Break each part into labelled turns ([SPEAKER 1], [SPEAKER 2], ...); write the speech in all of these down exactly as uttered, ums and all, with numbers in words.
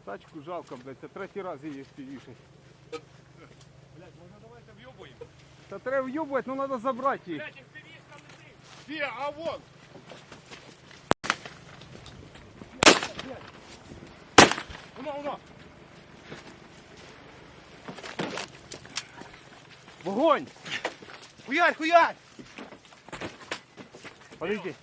[SPEAKER 1] Тачку жалко, блядь, це третій раз її співішить.
[SPEAKER 2] Блядь, може давайте в'єбуємо?
[SPEAKER 1] Та треба в'юбувати, ну треба забрати її.
[SPEAKER 2] Блядь, їх півішка летить.
[SPEAKER 3] Где? А вон!
[SPEAKER 2] Воно, воно.
[SPEAKER 1] Вогонь!
[SPEAKER 3] Хуярь, хуярь!
[SPEAKER 1] Подожди.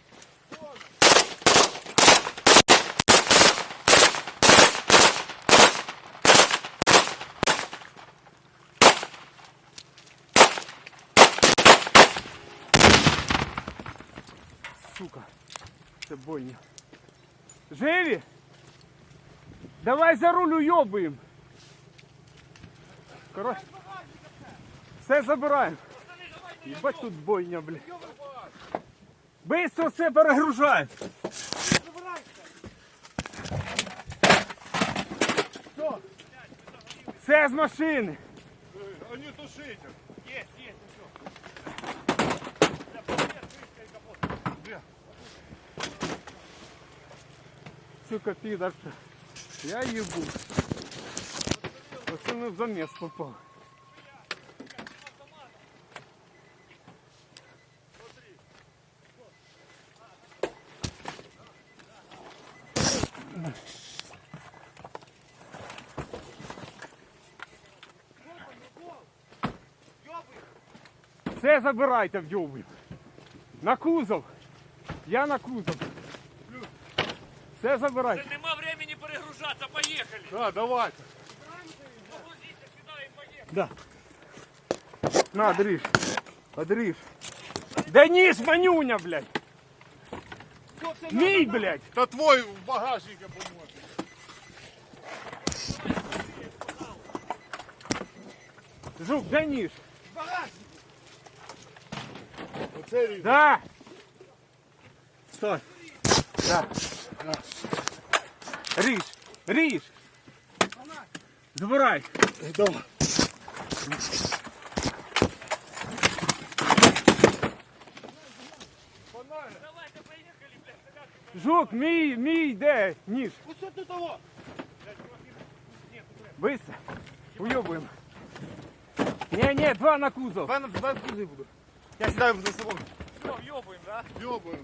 [SPEAKER 1] Сука, це бойня. Живі? Давай за руль уйобуємо. Короче, все забираємо. Ебать тут бойня, блядь. Быстро все перегружаємо. Все з машини.
[SPEAKER 3] А не тушите!
[SPEAKER 2] Есть, есть, ну все. Бля, привет, крышка и капот.
[SPEAKER 3] Где?
[SPEAKER 1] Сука, підарка. Я їбу. Оце ми в замес попав. Все забирайте, в'йобуй. На кузов. Я на кузов. Все забирайте.
[SPEAKER 2] Це нема времени перегружатися, поїхали.
[SPEAKER 3] Да, давайте.
[SPEAKER 2] Погрузіться сюди і поїхали.
[SPEAKER 1] Да. На, дриж. Одриж. Да ніж, манюня, блядь. Мій, блядь.
[SPEAKER 3] Да твой в багажнике поможет.
[SPEAKER 1] Жук, да ніж.
[SPEAKER 3] Оце ріже.
[SPEAKER 1] Да. Стой. Да. Ріж. Ріж. Забирай.
[SPEAKER 3] Давай.
[SPEAKER 2] Давайте поїхали, блядь.
[SPEAKER 1] Жук, мій, мій, де? Ніж.
[SPEAKER 3] Ось тут того.
[SPEAKER 1] Быстро. Уйобуємо. Не, не, два на кузов.
[SPEAKER 3] Два на два кузи буду. Я сідаю за собою.
[SPEAKER 2] Все, в'єбуємо, да?
[SPEAKER 3] Ёбаем.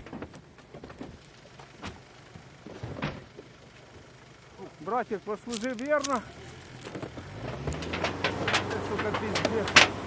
[SPEAKER 1] Братик, послужи верно. Це, сука, пиздец.